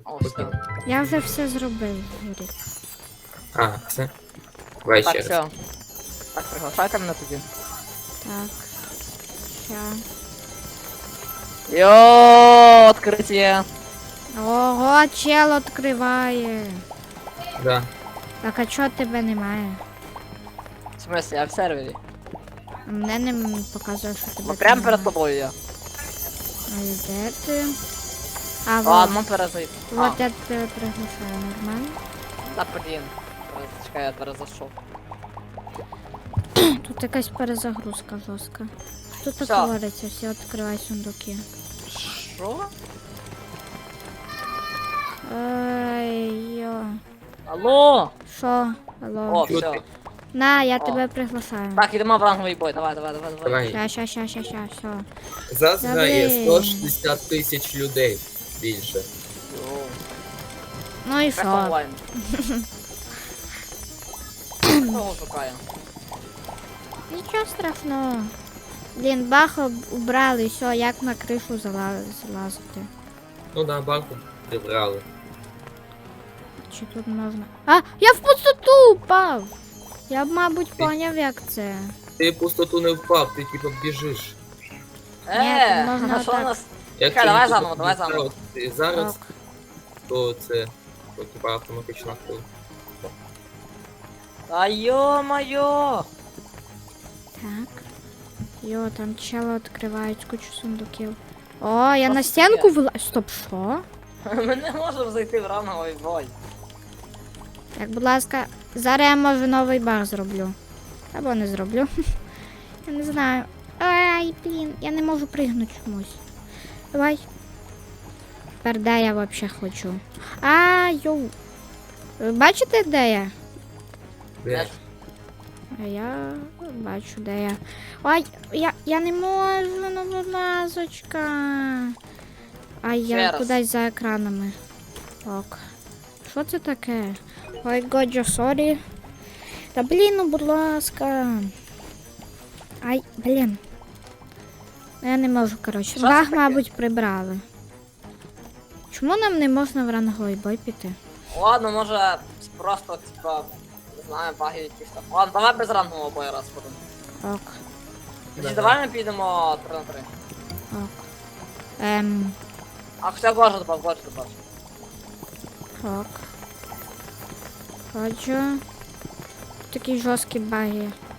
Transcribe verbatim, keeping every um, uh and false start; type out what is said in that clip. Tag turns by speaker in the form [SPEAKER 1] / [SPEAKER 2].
[SPEAKER 1] О, все.
[SPEAKER 2] Окей.
[SPEAKER 3] Я вже все зробив, Юрій.
[SPEAKER 2] А, все. Давай
[SPEAKER 1] Так,
[SPEAKER 2] ще раз.
[SPEAKER 1] все. Так, приглашайте мене тоді.
[SPEAKER 3] Так. Ща.
[SPEAKER 1] Йооо, відкриття.
[SPEAKER 3] Ого, чел відкриває.
[SPEAKER 2] Да.
[SPEAKER 3] Так, а чого тебе немає?
[SPEAKER 1] В смысле, я в сервері.
[SPEAKER 3] А мене не м- показує, що тебе
[SPEAKER 1] Ну прям
[SPEAKER 3] немає.
[SPEAKER 1] перед тобою я.
[SPEAKER 3] А і де ти? А, вот.
[SPEAKER 1] Ладно, перезайти.
[SPEAKER 3] Вот я тебе приглашаю, нормально?
[SPEAKER 1] Та блін. Чекай, я перезайшов.
[SPEAKER 3] Тут якась перезагрузка жорстка. Що тут
[SPEAKER 1] Всё.
[SPEAKER 3] твориться? Всі відкривай сундуки.
[SPEAKER 1] Що?
[SPEAKER 3] Ай, йо.
[SPEAKER 1] Алло!
[SPEAKER 3] Що? Алло.
[SPEAKER 1] О,
[SPEAKER 2] Чути.
[SPEAKER 1] все.
[SPEAKER 3] На, я
[SPEAKER 1] О.
[SPEAKER 3] тебе приглашаю.
[SPEAKER 1] Так, ідемо в ранговий бой, давай, давай, давай, давай.
[SPEAKER 2] Давай.
[SPEAKER 3] Ща, ща, ща, ща, ща, все.
[SPEAKER 2] Зараз грає
[SPEAKER 3] Добре.
[SPEAKER 2] сто шістдесят тисяч людей більше.
[SPEAKER 1] Йоу.
[SPEAKER 3] Ну і
[SPEAKER 1] Як
[SPEAKER 3] що?
[SPEAKER 1] онлайн? Кого шукає?
[SPEAKER 3] Нічого страшного. Блін, бах об- убрали, все, як на кришу зала- залазити.
[SPEAKER 2] Ну да, банку прибрали.
[SPEAKER 3] Чи тут можна? А, я в пустоту упав! Я б, мабуть, поняв, як це.
[SPEAKER 2] Ти в пустоту не впав, ти типу біжиш.
[SPEAKER 1] Е,
[SPEAKER 3] тут можна
[SPEAKER 1] а що у
[SPEAKER 3] так.
[SPEAKER 1] нас?
[SPEAKER 2] Якщо
[SPEAKER 1] давай
[SPEAKER 2] не
[SPEAKER 1] заново,
[SPEAKER 2] тут
[SPEAKER 1] давай
[SPEAKER 2] зараз-
[SPEAKER 1] заново.
[SPEAKER 2] ти зараз,
[SPEAKER 3] Так.
[SPEAKER 2] то це то, типа автоматично хвиль.
[SPEAKER 1] Та йо-моє!
[SPEAKER 3] Так. Йо, там чело відкривають кучу сундуків. О, я
[SPEAKER 1] Що
[SPEAKER 3] на
[SPEAKER 1] це
[SPEAKER 3] стінку
[SPEAKER 1] таке?
[SPEAKER 3] вила... Стоп, що?
[SPEAKER 1] Ми не можемо зайти в ранговий бой.
[SPEAKER 3] Так, будь ласка, зараз я може новий баг зроблю. Або не зроблю. Я не знаю. Ай, блін, я не можу пригнути чомусь. Давай. Тепер де я взагалі хочу? А, йоу. Ви бачите, де я?
[SPEAKER 2] Де?
[SPEAKER 3] А я бачу, де я. Ой, я, я не можу, ну будь ласочка. Ай,
[SPEAKER 1] Ще
[SPEAKER 3] я
[SPEAKER 1] раз.
[SPEAKER 3] кудись за екранами. Ок. Що це таке? Ой, годжо, сорі. Та блін, ну будь ласка. Ай, блін. Ну, я не можу, коротше.
[SPEAKER 1] Що це
[SPEAKER 3] Баг,
[SPEAKER 1] таке?
[SPEAKER 3] мабуть, прибрали. Чому нам не можна в ранговий бой піти?
[SPEAKER 1] Ладно, може просто, типа, не знаю, баги якісь там. Ладно, давай без рангового бою раз будемо.
[SPEAKER 3] Ок,
[SPEAKER 1] Тоді давай ми підемо три на три.
[SPEAKER 3] ок. Ем,
[SPEAKER 1] А хоча Годжа добав, Годжа добав.
[SPEAKER 3] ок. Ходжу. Такі жорсткі баги.